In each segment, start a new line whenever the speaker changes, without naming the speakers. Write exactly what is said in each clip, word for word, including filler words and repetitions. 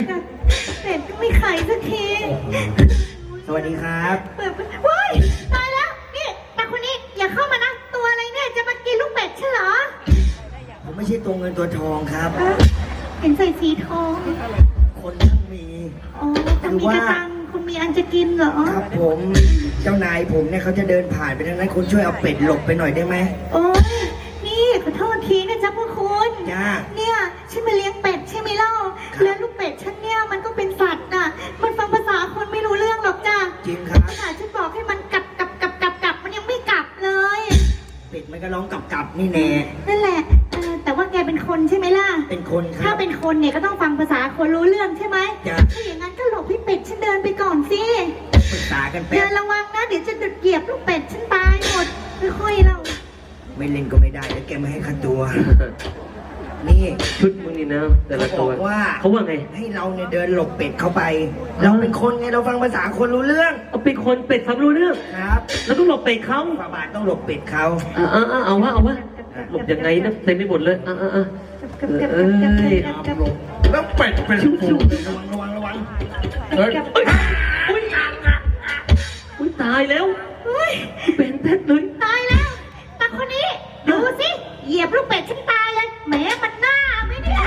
เป็ดก็ไม่ขายสักที
สวัสดีครับ
เปิดว้ายตายแล้วนี่ตาคนนี้อย่าเข้ามานะตัวอะไรเนี่ยจะมากินลูกเป็ดใช่เหรอ
ผมไม่ใช่ตัวเงินตัวทองครับ
เอ้าเห็นใส่สีทอง
คนทั้งมี
อ๋อคุณมีกระตังคุณมีอันจะกินเหรอ
ครับผมเจ้านายผมเนี่ยเขาจะเดินผ่านไปทางนั้นคุณช่วยเอาเป็ดหลบไปหน่อยได้ไหม
โอ้ยนี่ขอโทษทีนะจ๊ะพวกคุณ
จ้า
เนี่ยฉันมาเลี้ยงเป็ดใช่ไหมเล่าแล้วลูกเป็ดฉันเนี่ยมันก็เป็นสัตว์น่ะมันฟังภาษาคนไม่รู้เรื่องหรอกจ้ะ
จริงครับ
ขนาดฉันบอกให้มันกลับกลับกลับกลับกลับมันยังไม่กลับเลย
เป็ดมันก็ร้องกลับๆนี่แน่
นั่นแหละเออแต่ว่าแกเป็นคนใช่ไหมล่ะ
เป็นคนค
ถ้า
รับ
เป็นคนเนี่ยก็ต้องฟังภาษาคนรู้เรื่องใช่ไหม
จ้ะ
ถ้าอย่างนั้นก็หลบให้เป็ดฉันเดินไปก่อนสิ
ปรึกษากันแป๊
เดิ
บ
นระวังนะเดี๋ยวจะดุดเหยียบลูกเป็ดฉันตายหมดค่อยๆเรา
ไม่เล่นก็ไม่ได้แล้วแกไม่ให้ค่าตัว นี่
ชุดมึงนี่นะแต่ละ
เขา
ตั
บ
ว
อกว่า
เขาว่าไง
ให้เราเนี่ยเดินหลบเป็ดเข้าไป เราเป็นคนไงเราฟังภาษาคนรู้เรื่อง
เอาเป็นคนเป็ดฟังรู้เรื่อง
ครับ
แล้วต้องหลบเป็ดเขา
ฝาบาทต้องหลบเป็ดเขา
อ่าอ่าเอาวะเอาวะหลบยังไงนะเต็มไปหมดเลยอ่าอ่าอ่า
กับกับ
เอ้
กับกับ
ย
กับกับ
หลบ
แล้วเป็ดเป็น
ชิวชิว
ระวังระวังระวัง
เฮ้ย
กับ
เอ้ยอุ้ยอุ้ยตายแล้ว
เฮ้ย
เป็นแท้เลย
ตายแล้วตาคนนี้ดูสิเหยียบลูกเป็ดฉันตายเลยแหมมันหน้าไหมเนี่ย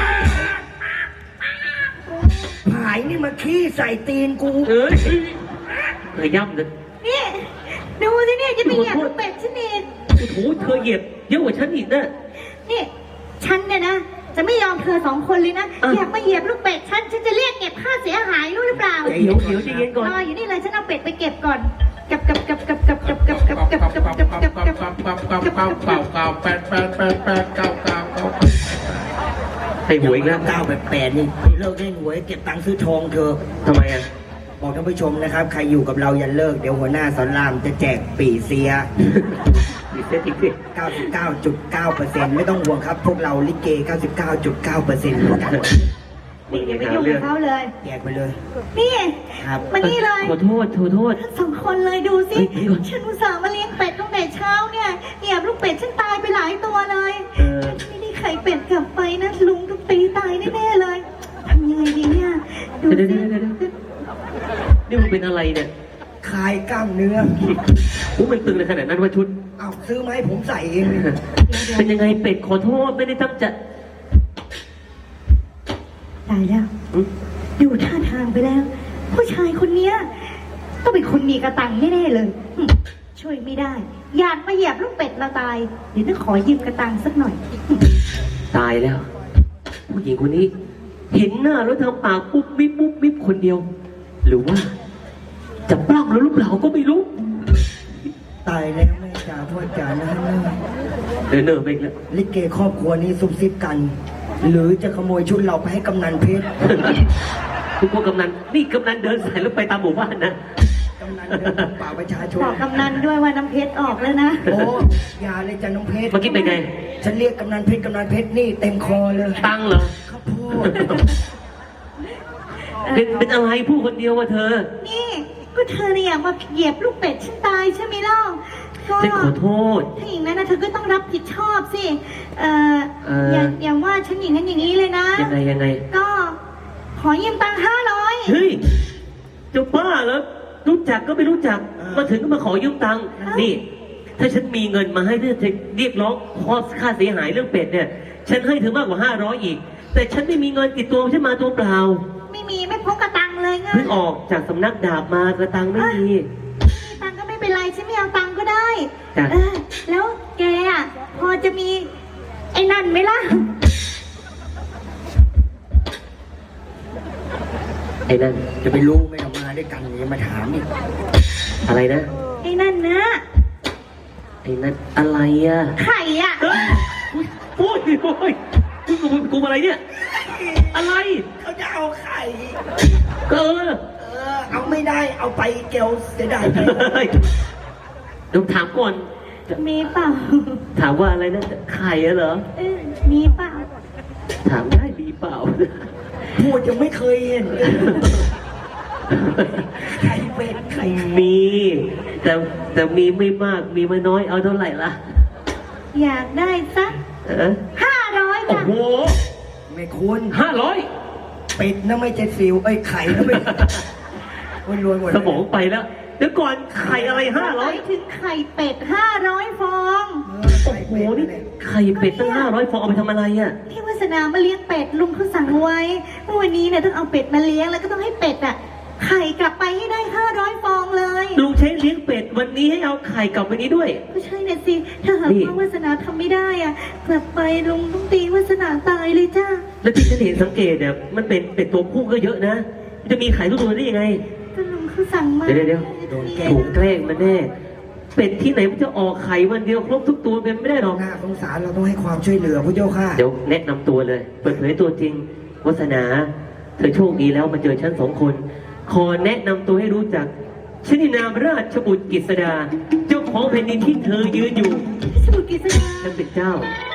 ผายนี่มาขี้ใส่ตีนกู
เอ้ยขย่ำเลย
นี่ดูสิเนี่ยจะไปเหยียบลูกเป็ดฉันเอง
โอ้โหเธอเหยียบเยอะกว่าฉันอีกนะ
นี่ฉันเนี่ยนะ จะไม่ยอมเธอสองคนเลยนะ
อ่ะ
อยากมาเหยียบลูกเป็ดฉันฉันจะเรียกเก็บค่าเสียหายรู้หรือเปล่า
เดี๋ยวเดี๋ยวใจเย็นก่อน
รออยู่นี่เลยฉันเอาเป็ดไปเก็บก่อนกับกับกับกับกับกับกับกับกับกับกับกับกับกับกับ
เก้าเก้าแปดแปดแปดแปดเก้าเก้าเก้า
ให้หวยอีกแล้ว
เก้าแบบแปดนี่เลิกเล่นหวยเก็บตังค์ซื้อทองเถอะ
ทำไมอ่ะ
บอกท่านผู้ชมนะครับ ใครอยู่กับเราอย่าเลิก เดี๋ยวหัวหน้าสอนรามจะแจกปีเสีย
มีเซตอีกสิ
เก้าสิบเก้าจุดเก้าเปอร์เซ็นต์ ไม่ต้องห่วงครับ พวกเราลิเก เก้าสิบเก้าจุดเก้าเปอร์เซ็นต์ เหมือนกัน
มึง
อย่า
ยัง
ไป
หา
ยุ่ง
เรื่
กั
อบ ง
เขาเลย
แจกไปเลย
นี่
ครับ
มานี่เลย
ขอโทษขอโทษ
ทั้งสองคนเลยดูสิ
เฮ้ยเดี๋ยวก่อน
ฉันอุตส่าห์มาเลี้ยงเป็ดตั้งแต่เช้าเนี่ยเหยียบลูกเป็ดฉันตายไปหลายตัวเลย
เออ
ไม่ได้ไข่เป็ดกลับไปนะลุงต้องตีตายแน่ๆเลยทำยังไงดีเนี่ยดู
เดี๋ยว
สิ
เดี๋ยวเดี๋ยวเดี๋ยวนี่มึงเป็นอะไรเนี่ย
คลายกล้ามเนื้อ
โอ้มันตึงในขนาดนั้นว่าชุด
เอาซื้อมาให้ผมใส่เอง
เป็นยังไงเป็ดขอโทษไม่ได้ตั้งใจ
ตายแล้ว
อืม
ดูท่าทางไปแล้ว ผู้ชายคนเนี้ยต้องเป็นคนมีกระตังแน่ๆเลยหึช่วยไม่ได้ อยากมาเหยียบลูกเป็ดเราตาย เดี๋ยวต้องขอยืมกระตังสักหน่อย
ตายแล้ว ผู้หญิงคนนี้ เห็นหน้าแล้วทำปากปุ๊บมิบปุ๊บมิบคนเดียว หรือว่า จะปล้ำแล้วหรือเปล่าก็ไม่รู้
ตายแล้วแม่จ๋าพ่อจ๋านะฮะ
เดินเนิร์ไปอีกแล้ว
ลิเกครอบครัวนี้ซุบซิบกัน หรือจะขโมยชุดเราไปให้กำนันเพชร
ทุกคนกำนันนี่กำนันเดินสายแล้วไปตามหมู่บ้านนะ
กำนันเดินพบป่าประชาชน
บอกกำนันด้วยว่าน้ำเพชรออกแล้วนะ
โอ้อยาเลยจ้ะน้องเพชร
เมื่อกี้เป็นไง
ฉันเรียกกำนันเพชรกำนันเพชรนี่เต็มคอเลย
ตังเหรอ
ข้าวโพด
เป็นเป็นอะไรพูดคนเดียวว่าเธอ
นี่ก็เธอเนี่ยอยากมาเหยียบลูกเป็ดฉันตายใช่ไหมเล่าก็
ฉันขอโทษ
ถ้าอย่างนั้นนะเธอก็ต้องรับผิดชอบสิ เอ่อ
เอ่อ
อย่าอย่าว่าฉันอย่างนั้นอย่างนี้เลยนะ
ยังไงยังไง
ก็ขอยืมตังค์ห้าร้อย
เฮ้ยเจ้าบ้าแล้วรู้จักก็ไม่รู้จัก มาถึงก็มาขอยืมตังค์นี่ ถ้าฉันมีเงินมาให้เรื่องเรียกร้องข้อค่าเสียหายเรื่องเป็ดเนี่ย ฉันให้เธอมากกว่าห้าร้อยอีก แต่ฉันไม่มีเงินติดตัวฉันมาตัวเปล่า
ไม่มีไม่พกกระตังเลยไง
เพิ่งออกจากสำนักดาบมากระตังไม่มี
มีตังค์ก็ไม่เป็นไรฉันไม่เอาตังค์ก็ได้
จ้ะ
เออแล้วแกอ่ะพอจะมีไอ้นั่นไหมล่ะ
ไอ้นั่น
จะไปรู้ไม่ต้องมาด้วยกันอย่ามาถามอีก
อะไรนะ
ไอ้นั่นนะ
ไอ้นั่นอะไรอ่ะ
ไข่อ่ะ
เฮ้ยโอ้ยโอ้ยกูกูกูอะไรเนี่ย อะไร
เขาจะเอาไข่
เออ
เออ เอาไม่ได้เอาไปเกลเสียดายไป
เฮ้ยเดี๋ยวถามก่อน
มีเปล่า
ถามว่าอะไรนะไข่อะเหรอ
เออมีเปล่า
ถามได้ดีเปล่า
พูดยังไม่เคยเห็นเลยไข่เป็ดไข่
มี แต่แต่มีไม่มาก มีไม่น้อย เอาเท่าไหร่ล่ะ
อยากได้สัก
เออ
ห้าร้อย
โอ้
จ้ะ
โห
ไม่คุณ
ห้าร้อย
เป็ดนะไม่ใช่ซิวเอ้ยไข่นะไม่มันรวยหมดเลย
สมองไปแล้ว เดี๋ยวก่อนไข่อะไรห้า
ห
ร้อ
มาย ยถึงไข่เป็ดห้าร้อยฟอง
เออ
โอ้
ไข่
โห
เป็ด
นี่
เนี่ย
ไข่เป็ดตั้งห้าร้อยฟองเอาไปทำอะไรอ่ะ
ที่วาสนามาเลี้ยงเป็ดลุงเขาสั่งไว้เมื่อวันนี้เนี่ยต้องเอาเป็ดมาเลี้ยงแล้วก็ต้องให้เป็ดอ่ะไข่กลับไปให้ได้ห้าร้อยฟองเลย
ลุงใช้เลี้ยงเป็ดวันนี้ให้เอาไข่กลับไปนี้ด้วย
ก็ใช่น่ะสิถ้าหาก
นี่
ว่าวาสนาทำไม่ได้อ่ะกลับไปลุงต้องตีวาสนาตายเลยจ้า
แล้วที่ฉันเห็นสังเกตเนี่ยมันเป็นเป็ดตัวผู้ก็เยอะนะมันจะมีไข่ทุกตัวได้ยังไง
ก็ลุงเขาสั่งมา
เดี๋ยวเดี๋ยว ถูกแกล้งมันแน่ เป็ดที่ไหนมันจะออกไข่วันเดียวครบทุกตัวเป็นไม่ได้หรอก
น่าสงสารเราต้องให้ความช่วยเหลือพระเจ้าค่ะ
เดี๋ยวแนะนำตัวเลย เปิดเผยตัวจริงวัสนา เธอโชคดีแล้วมาเจอฉันสองคน ขอแนะนำตัวให้รู้จักฉันนามราชบุตรกฤษดา เจ้าของแผ่นดินที่เธอยืนอยู่
สมุทรกิษณา
ฉันเป็นเจ้า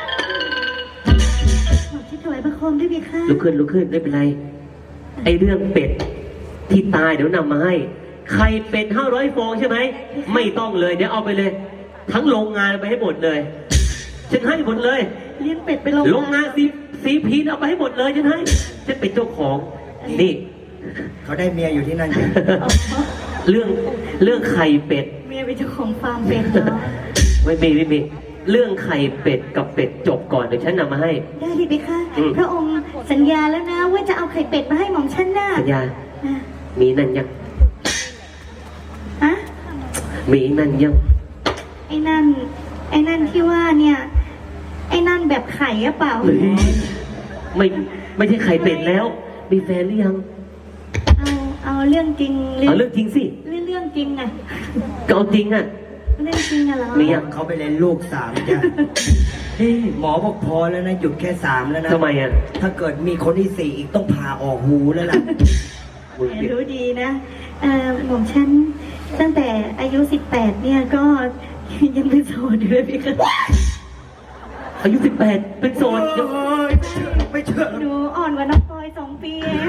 ขอที่ถวายพระคมด้วยพี่ค่ะ
ลุกขึ้นลุกขึ้นไม่เป็นไร ไอเรื่องเป็ดที่ตายเดี๋ยวนำมาให้ไข่เป็ดห้าร้อยฟองใช่ไหม ไม่ต้องเลยเดี๋ยวเอาไปเลย ทั้งโรงงานไปให้หมดเลย ฉันให้หมดเลย
เลี้ยงเป็ดไปลง
โรงงานซีซีพีเอาไปให้หมดเลยฉันให้ ฉันเป็นเจ้าของ นี่
เขาได้เมียอยู่ที่นั่นจริง
อ๋อ
เรื่องเรื่องไข่เป็ด
เมียเป็นเจ้าของฟาร์มเป็ดเหรอ
ไม่มีไม่มีเรื่องไข่เป็ดกับเป็ดจบก่อนเดี๋ยวฉันนำมาให้
ได้เลยพี่ค่ะ
อืม
พระองค์สัญญาแล้วนะว่าจะเอาไข่เป็ดมาให้หม่อมฉันน่ะ
สัญญา
อ่ะ
มีนั่นยัง
อะ
มีนั่นยัง
ไอ้นั่น ไอ้นั่นที่ว่าเนี่ย ไอ้นั่นแบบไข่หรือเปล่า
เฮ้ยไม่ไม่ใช่ไข่เป็ดแล้ว มีแฟนหรือยัง
เอาเอาเรื่องจริง
เอาเรื่องจริงสิ
เรื่องเรื่องจริงอะ
ก็เอาจริงอ่ะ
เรื่องจริงอะเหรอ
มียัง
เขาไปเล่นลูกสามจ้ะ
เฮ้ย
หมอบอกพอแล้วนะหยุดแค่สามแล้วนะ
ทำไมอ่ะ
ถ้าเกิดมีคนที่สี่อีกต้องผ่าออกหูแล้วล่ะ
มึง
แหมรู้ดีนะเอ่อหม่อมฉันตั้งแต่อายุสิบแปดเนี่ยก็ยังเป็นโสดอยู่เลยพี่ค่ะ
อายุสิบแปดเป็นโสดยัง
โอ้ยไม่เชื่อ
หนูอ่อนกว่าน้องปอยสองปีเอง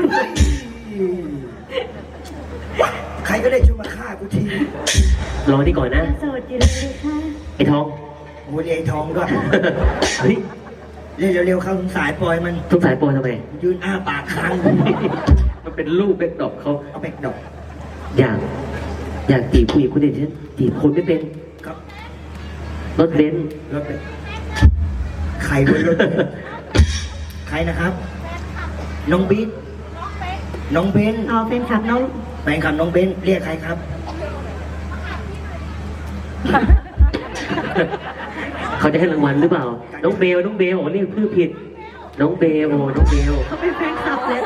ใครก็ได้ช่วยมาฆ่ากูที
รอนี่ก่อนนะ
โสดอยู่เลยค่ะ
ไอ้ทอง
โอ้ยไอ้ทองก็
เฮ้ย
เล่นเร็วๆเข้าสายปล่อยมัน
ทุกสายโปรทำไม
ยืนอ้าปากค้าง
มันเป็นลูกเป็นดอกเขา
เอาแบกดอก
อยาก อยากจีบผู้หญิงคนเดียวฉันจีบคนไม่เป็น
ครับ
รถเบนซ์
รถไปใครบนรถเนี่ยใครนะครับ น้องบิ๊กน้องเบน
เอาแฟนคลับน้อง
แฟนคลับน้องเบนเรียกใครครับ
เขาจะให้รางวัลหรือเปล่า น้องเบล น้องเบลอ๋อนี่ชื่อผิด น้องเบลโอ้น้องเบล
เขาเป็นแฟนคลับเลยนะ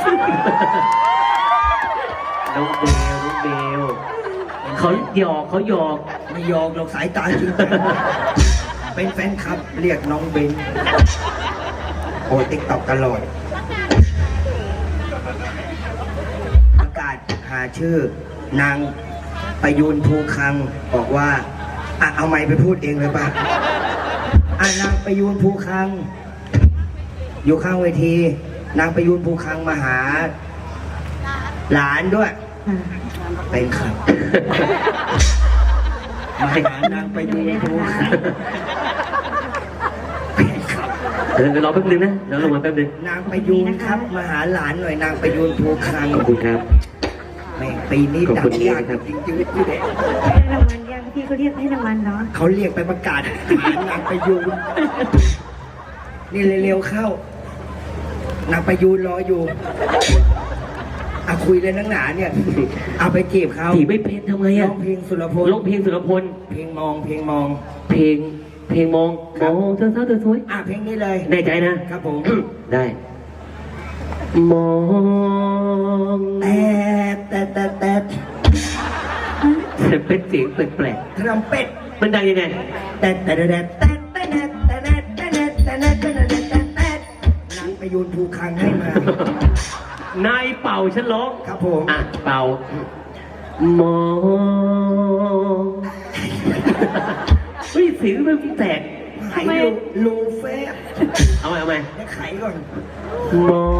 น้องเบล น้องเบล เขาหยอกเขาหยอก
ไม่ยอมหรอกสายตาจริงจังเป็นแฟนคลับ เรียกน้องเบนโอ้ติ๊กตอกตลอดประกาศหาชื่อนางประยูนภูคังบอกว่าอ่ะเอาไม้ไปพูดเองเลยป่ะอ่ะนางประยูนภูคัง อยู่ข้างเวที นางประยูนภูคังมาหา หลานด้วย เป็นครับ มาหานางประยูนภูคังเป็นครับ
เดี๋ยวรอแป๊บนึงนะเดี๋ยวรางวัลแป๊บนึง
นางประยูนครับ มาหาหลานหน่อยนางประยูนภูคัง
ขอบคุณครับ
แม่งปีนี้
ขอบ
ดั
คุ
ง
ณ
ยาก
ครับ
จริงๆพี่เด็ก
ให้รางวัลยังพี่เขาเรียกให้รางวัลเนาะ
เขาเรียกไปประกาศหานางประยูนนี่เร็วๆเข้า นางประยูนรออยู่อะคุยเลยนังหนาเนี่ย เอาไปจีบเขา
จีบไม่เป็นทำไง
ร้
อะ
องเพลงสุรพล
ร้องเพลงสุรพล
เพลงมองเพลงมอง
เพลง เพลงมองมองเธอเธอเธอสวย
อ่ะเพลงนี้เลย
แน่ใจนะ
ครับผม
ได้ มอง
แต่แต่แต่แต่
เป็นเสียงแปลก
ทรัมเป็ด
ๆมันดังยังไง
แต่แต่แต่แต่แต่แต่แต่แต่แต่แต่แต่แต่แต่แต่แต่นางประยูนภูคังให้มา
นายเป่าฉันร้อง
ครับผม
อ่ะ เป่า มองเฮ้ยเสียงมันแตก
ไข่ลูลูเฟ่
เอาไหมเอาไหม
ให้ไข่ก่อน
มอง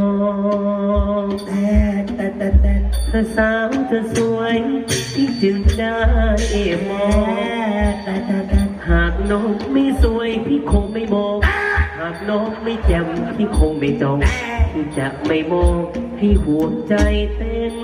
แต่แต่แต่แต่
เธอสาวเธอสวยที่จึงได้มอง
แต่แต่แต่
หากน้องไม่สวยพี่คงไม่มอง หากน้องไม่แจ่มพี่คงไม่จองพี่จะไม่มองพี่ห่วงใจเต้น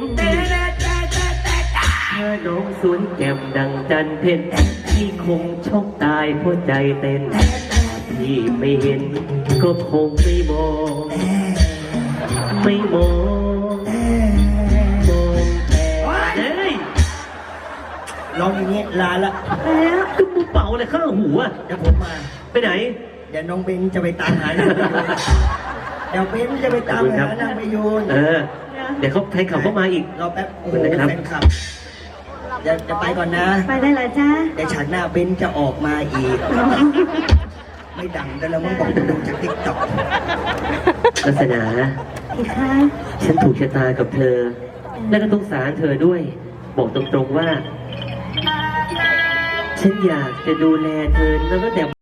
ถ้าน้องสวยแจ่มดังจันเพ็ญพี่คงช็อกตายเพราะใจเต้นพี่ไม่เห็นก็คงไม่มองไม่มองมองแต่เฮ้ย
ร้องอย่างนี้ลาละ
แล้ว
ก็มึงเป่าอะไรข้างหูอะ
เดี๋ยวผมมา
ไปไหน
เดี๋ยวน้องเบนจะไปตามหานางประยูนเดี๋ยวเบนจะไปตามหานางประยูน
เออ เดี๋ยวเขาใครขับเข้ามาอีก
รอแป๊บ โอ้โห
นะครับ
แฟนคลับเดี๋ยวจะไปก่อนนะ
ไปได้เหรอจ๊ะ
เดี๋ยวฉากหน้าเบนจะออกมาอีก ไม่ดังแต่แล้วมึงบอกมึงดูจากติ๊กต็อก
ลักษณะ
อีกคะ
ฉันถูกชะตากับเธอ และก็ต้องสารเธอด้วย บอกตรงๆว่า ฉันอยากจะดูแลเธอตั้งแต่